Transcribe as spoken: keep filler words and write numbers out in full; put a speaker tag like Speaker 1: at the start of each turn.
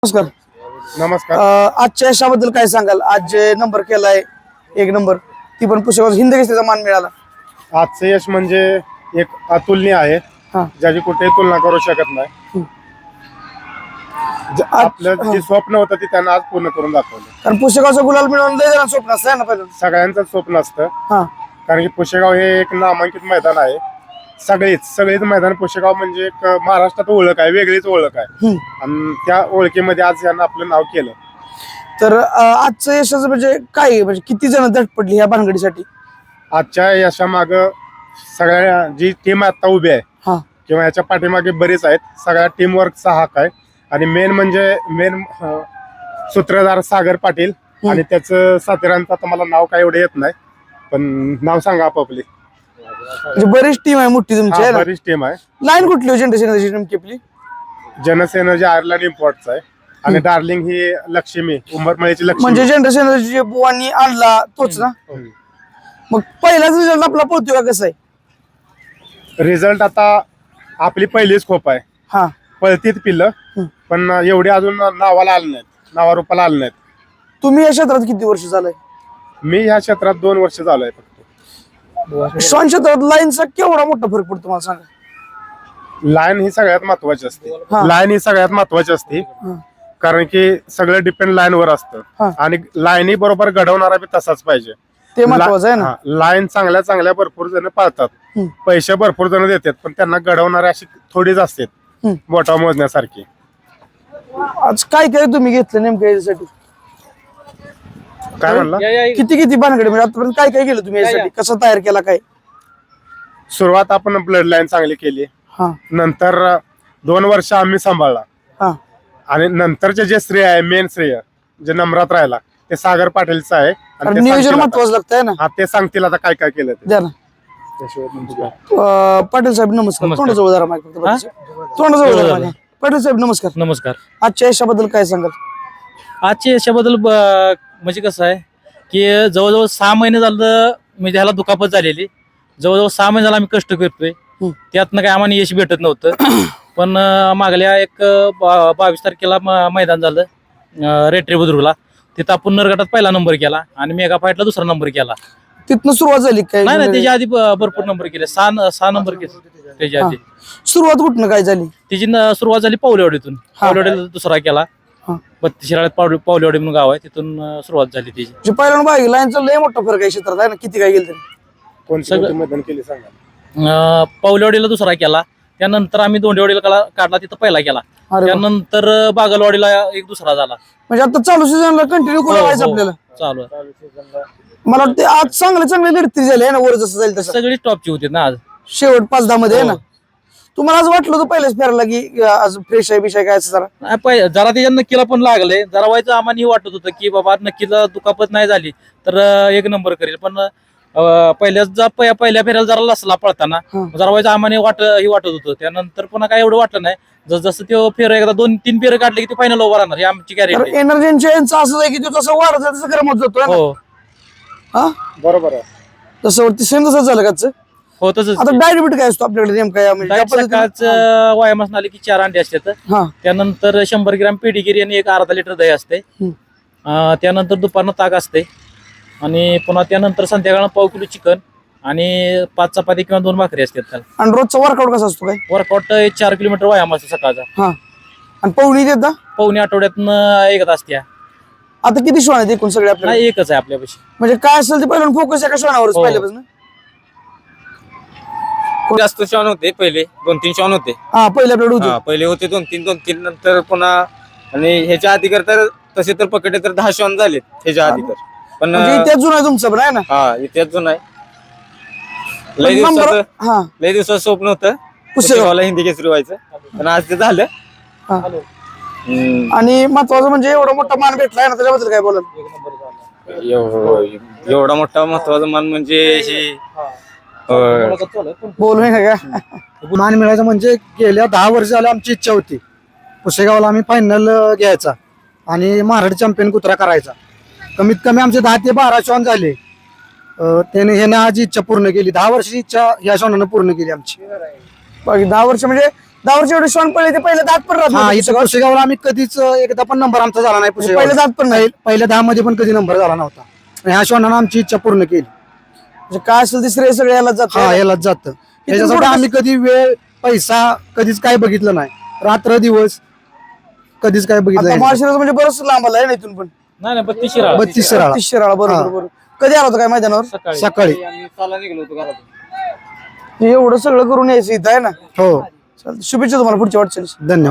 Speaker 1: नमस्कार.
Speaker 2: नमस्कार.
Speaker 1: अं, आजच्या यशाबद्दल काय सांगाल? आज जे नंबर केलाय एक नंबर, ती पण पुस्तकावर हिंद केसरीचा मान मिळाला.
Speaker 2: आजचं यश म्हणजे एक अतुलनीय आहे,
Speaker 1: हा.
Speaker 2: ज्याची कुठेही तुलना करू शकत नाही.
Speaker 1: हम्म.
Speaker 2: ज-
Speaker 1: आज-
Speaker 2: आपलं
Speaker 1: हा.
Speaker 2: जे स्वप्न होतं ते त्यांना आज पूर्ण करून दाखवलं.
Speaker 1: कारण पुस्तकाचं गुलाल मिळवून लय जणांचं स्वप्न असतं ना पहिलं.
Speaker 2: सगळ्यांचं स्वप्न असतं,
Speaker 1: हा
Speaker 2: कारण की पुशेगाव हे एक नामांकित मैदान आहे. सगळीच सगळीच मैदान पुशेगाव म्हणजे एक महाराष्ट्रात ओळख आहे, वेगळीच ओळख आहे.
Speaker 1: हम्म.
Speaker 2: आणि त्या ओळखीमध्ये आज यांना आपलं नाव केलं.
Speaker 1: तर अं, आजचं यशाचं म्हणजे काय आहे? म्हणजे किती जण धडपडली ह्या भानगडीसाठी?
Speaker 2: आजच्या यशामाग सगळ्या जी टीम आता उभी आहे
Speaker 1: हा
Speaker 2: किंवा याच्या पाठीमागे बरेच आहेत, सगळ्या टीम वर्कचा हक आहे. आणि मेन म्हणजे मेन सूत्रधार सागर पाटील आणि त्याचं साथीरांचं आता मला नाव काय एवढं येत नाही, पण नाव सांगा आपापली.
Speaker 1: म्हणजे बरीच टीम आहे मोठी तुमची, आहे ना?
Speaker 2: बरीच टीम आहे.
Speaker 1: लाईन कुठली हो जनरेशन नेमकी आपली?
Speaker 2: जनसेनर्जी आयर्लंड इम्पॉर्टचा आहे आणि डार्लिंग ही लक्ष्मी उंबरमळीची लक्ष्मी.
Speaker 1: म्हणजे जनरेशन जे बुवांनी आणला तोच ना?
Speaker 2: हम्म.
Speaker 1: मग पहिलाच रिझल्ट आपला पोहोचतो का कसं आहे?
Speaker 2: रिझल्ट आता आपली पहिलीच खोप आहे,
Speaker 1: हा
Speaker 2: पळतीत पिल्लं,
Speaker 1: हम्म.
Speaker 2: पण एवढी अजून नावाला आलं नाहीत, नावारूपाला आलं नाहीत.
Speaker 1: तुम्ही या क्षेत्रात किती वर्ष झालंय?
Speaker 2: मी ह्या क्षेत्रात दोन वर्ष झालोय फक्त.
Speaker 1: श्वान क्षेत्रात लाईनचा केवढा मोठा फरक पडतो मला सांगा.
Speaker 2: लाईन ही सगळ्यात महत्वाची असते.
Speaker 1: हा.
Speaker 2: लाईन ही सगळ्यात महत्वाची असते,
Speaker 1: हा.
Speaker 2: कारण की सगळं डिपेंड लाईन वर
Speaker 1: हा.
Speaker 2: असतं आणि लाईनी बरोबर घडवणारा बी तसाच पाहिजे.
Speaker 1: ते महत्वाचं आहे ना.
Speaker 2: हा, लाईन चांगल्या चांगल्या भरपूर जण पाळतात,
Speaker 1: हम्म.
Speaker 2: पैसे भरपूर जण देतात, पण त्यांना घडवणारे अशी थोडीच असतात
Speaker 1: हम्म.
Speaker 2: बोटा मोजण्यासारखी.
Speaker 1: आज काय काय तुम्ही घेतलं नेमकं याच्यासाठी?
Speaker 2: काय म्हणला?
Speaker 1: किती किती भानगडी म्हणजे आतापर्यंत काय काय केलं तुम्ही यासाठी? कसं तयार केला काय?
Speaker 2: सुरुवात आपण ब्लड लाईन चांगली केली,
Speaker 1: हा
Speaker 2: नंतर दोन वर्ष आम्ही सांभाळला
Speaker 1: हा
Speaker 2: आणि नंतरचे जे श्रेय आहे, मेन श्रेय जे नम्रात राहिला ते सागर पाटीलचं आहे. आणि
Speaker 1: कारण
Speaker 2: ते
Speaker 1: नियोजन
Speaker 2: सांगतील आता.
Speaker 1: महत्वाचं लागतंय ना.
Speaker 2: हा, ते सांगतील आता काय काय केलं ते.
Speaker 1: द्या ना. अं, पाटील साहेब नमस्कार. तोंडाजवळ जरा माईक फक्त पाटील साहेब. तोंडाजवळ जरा mic. पाटील साहेब नमस्कार.
Speaker 3: नमस्कार.
Speaker 1: आजच्या यशाबद्दल काय सांगाल?
Speaker 3: आजच्या यशाबद्दल ब- म्हणजे कसं आहे की जवळजवळ सहा महिने झालं म्हणजे ह्याला दुखापत झालेली. जवळजवळ सहा महिने झाला आम्ही कष्ट करतोय,
Speaker 1: हम्म.
Speaker 3: त्यातनं काय आम्हाला यश भेटत नव्हतं. पण अं, मागल्या एक बा- बावीस तारखेला म- मैदान झालं अं, रेट्रे बुद्रुकला. तिथं आपण नरगटात पहिला नंबर केला आणि मेगा फाईटला दुसरा नंबर केला.
Speaker 1: तिथनं सुरुवात झाली काय?
Speaker 3: नाही नाही त्याच्या आधी ब- भरपूर नंबर केले, सहा सहा नंबर केले त्याच्या आधी.
Speaker 1: सुरुवात कुठनं काय झाली?
Speaker 3: तिची न- सुरुवात झाली पावलेवाडीतून. पावलेवाडीला दुसरा केला.
Speaker 1: हा.
Speaker 3: बत्तीस शिराळ्यात पावले पावलेवाडी म्हणून गाव आहे, तिथून अं, सुरुवात झाली त्याची.
Speaker 1: जे पहिल्यांदा बाई लाईनचा लय मोठा फरक आहे क्षेत्रात, आहे ना? किती काय गेलं तरी.
Speaker 2: कोणती
Speaker 3: सगळं-
Speaker 2: कोणती मैदान केली सांगा.
Speaker 3: अं, पावलेवाडीला दुसरा केला, त्यानंतर आम्ही दोंडेवाडीला काढला- काढला, तिथं पहिला केला.
Speaker 1: अरे वा.
Speaker 3: त्यानंतर अं, बागलवाडीला एक दुसरा झाला.
Speaker 1: म्हणजे आता चालू सीझनला कंटिन्यू
Speaker 3: हो,
Speaker 1: व्हायचं
Speaker 3: हो,
Speaker 1: आपल्याला.
Speaker 3: चालू आहे.
Speaker 1: मला वाटतं आज चांगले चांगले लढती झाले आहे ना, वर जसं जाईल तसं.
Speaker 3: सगळी टॉपची होती ना आज.
Speaker 1: शेवट पाच दहा मध्ये आहे ना.
Speaker 3: हो.
Speaker 1: तुम्हाला आज वाटलं होतं पहिल्याच फेरायला की आज फ्रेश आहे बिशाय काय असं जरा?
Speaker 3: नाही, पहि- जरा त्याच्या नक्कीला पण लागले, जरा व्हायचं आम्हाला हे वाटत होतं की बाबा नक्कीला दुखापत नाही झाली तर अं, एक नंबर करेल. पण अं, पहिल्याच जा पहि- पहिल्या फेऱ्याला जरा लसला पळताना
Speaker 1: हा.
Speaker 3: जरा व्हायचं आम्हाला वाट हे वाटत होतं. त्यानंतर पुन्हा काय एवढं वाटलं नाही. जस जसं ते फेर एकदा दोन तीन फेर काढले की ते फायनल ओव्हर राहणार ही आमची
Speaker 1: तर
Speaker 3: गॅरेंटी.
Speaker 1: एनर्जीच्या यांचं असं आहे की तो तसं वाढत जातं, तसं गरमत जातो आहे ना?
Speaker 3: हो
Speaker 1: हा
Speaker 2: बरोबर आहे.
Speaker 1: तसं वरती सेम तसंच झालं का?
Speaker 3: हो तसंच.
Speaker 1: आता डायबिट काय असतो आपल्याकडे नेमका या म्हणजे
Speaker 3: डाएट
Speaker 1: ज्या पद्धतीने-
Speaker 3: सकाळचं व्यायामास आले की चार अंडे असतात,
Speaker 1: हा
Speaker 3: त्यानंतर शंभर ग्रॅम पेडीगिरी आणि एक अर्धा लिटर दही असते.
Speaker 1: हम्म.
Speaker 3: अं, त्यानंतर दुपारनं ताक असते आणि पुन्हा त्यानंतर संध्याकाळनं पाव किलो चिकन आणि पाच चपाती किंवा दोन भाकरी असतात. त्याला
Speaker 1: आणि रोजचा वर्कआउट कसा असतो काय?
Speaker 3: वर्कआउट चार किलोमीटर व्यायाम असतो सकाळचा.
Speaker 1: हा आणि पवनी देता
Speaker 3: पावणे आठवड्यातनं एकच असते.
Speaker 1: आता किती श्वान आहेत एकूण सगळे आपल्याला?
Speaker 3: नाही एकच आहे आपल्यापाशी.
Speaker 1: म्हणजे काय असेल ते पहिल्यांदा फोकस एका श्वानावरच
Speaker 3: हो.
Speaker 1: पहिल्यापासून.
Speaker 4: जास्त श्वान होते पहिले, दोन तीन श्वान होते.
Speaker 1: हा पहिले आपल्याकडे होते.
Speaker 4: हा पहिले होते दोन तीन दोन तीन नंतर पुन्हा आणि ह्याच्या आधी कर तर तसे तर पकडले तर दहा श्वान झालेत ह्याच्या आधी तर. पण
Speaker 1: म्हणजे इतिहास जुना आहे तुमचं पण आहे ना?
Speaker 4: हा इतिहास जुना आहे.
Speaker 1: पण
Speaker 4: लय
Speaker 1: नंबर
Speaker 4: दिवसाचं
Speaker 1: हा
Speaker 4: लय दिवसाचं स्वप्न होतं
Speaker 1: पुसेगाव.
Speaker 4: पुसेगावला हिंदी केसरी व्हायचं, पण आज ते झालं.
Speaker 1: हा.
Speaker 4: हम्म.
Speaker 1: आणि महत्वाचं म्हणजे एवढा मोठा मान भेटलाय ना, त्याच्याबद्दल काय बोलाल?
Speaker 4: एव- एवढा मोठा महत्वाचा मान म्हणजे हे अं,
Speaker 1: बोलू नये का?
Speaker 5: मान मिळायचं म्हणजे गेल्या दहा वर्ष झालं आमची इच्छा होती पुसेगावला आम्ही फायनल घ्यायचा आणि महाराष्ट्र चॅम्पियन कुत्रा करायचा. कमीत कमी आमचे दहा ते बारा श्वान झाले. अं, त्याने ह्याने आज इच्छा पूर्ण केली. दहा वर्षाची इच्छा या श्वानानं पूर्ण केली आमची.
Speaker 1: बाकी दहा वर्ष म्हणजे दहा वर्ष एवढे श्वान पळले ते पहिले दात पण राहत
Speaker 5: हा
Speaker 1: नव्हते
Speaker 5: इथं
Speaker 1: पुसेगावात.
Speaker 5: पुसेगावला आम्ही कधीच अं, एकदा पण नंबर आमचा झाला नाही
Speaker 1: पहिले
Speaker 5: पुसेगाव
Speaker 1: दात पण नाही
Speaker 5: पहिल्या दहा मध्ये पण कधी नंबर झाला नव्हता आणि ह्या श्वानानं आमची इच्छा पूर्ण केली.
Speaker 1: म्हणजे काय असेल ते श्रेय सगळे याला जात
Speaker 5: हा यालाच जातं त्याच्यासाठी
Speaker 1: पुढं
Speaker 5: आम्ही कधी वेळ पैसा कधीच काय बघितलं नाही. रात्र दिवस कधीच काय बघितलं
Speaker 1: आता
Speaker 5: नाही.
Speaker 1: माळशिरस म्हणजे बरंच लांब आलाय ना इथून पण
Speaker 3: नाही नाही बत्तीस शिराळा.
Speaker 5: बत्तीस शिराळा
Speaker 1: तीस शिराळा बरोबर
Speaker 5: हा.
Speaker 1: बरोबर. कधी आला होता काय मैदानावर?
Speaker 3: सकाळी
Speaker 5: सकाळी
Speaker 4: आम्ही चाला निघलो होतो घरातून.
Speaker 1: एवढं सगळं करून यायचं इथं आहे ना.
Speaker 5: हो
Speaker 1: चालतंय. शुभेच्छा तुम्हाला पुढच्या वाटचालीस.
Speaker 5: धन्यवाद.